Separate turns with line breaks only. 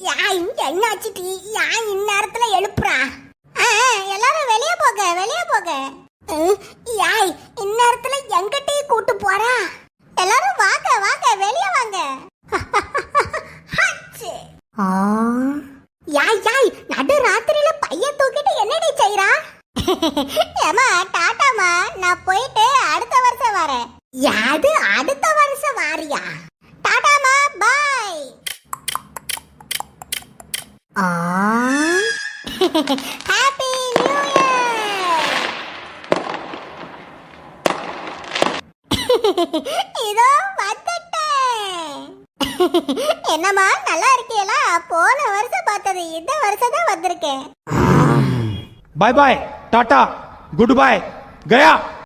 யாய் என்னாச்சு டி? யாய் இந்நேரத்துல எழுப்புறா? எல்லாரும் வெளியே போக வெளியே போக. யாய் இந்நேரத்துல எங்க டீ கூட்டு போறா? எல்லாரும் வாங்க வாங்க வெளியே வாங்க. யாய் யாய் நடு ராத்திரியில பைய தூக்கிட்டு என்னடி செய்றா? ஏமா டாடாமா, நான் போயிட்டு அடுத்த வருஷம் வரேன். யாது அடுத்த வருஷம் வாரியா? டாடாமா பாய். Happy new year. இதோ வந்துட்டேன். என்னம்மா நல்லா இருக்கீங்களா? போன வருஷம் பார்த்தது இந்த வருஷம் தான் வந்திருக்கேன்.
Bye bye tata goodbye गया।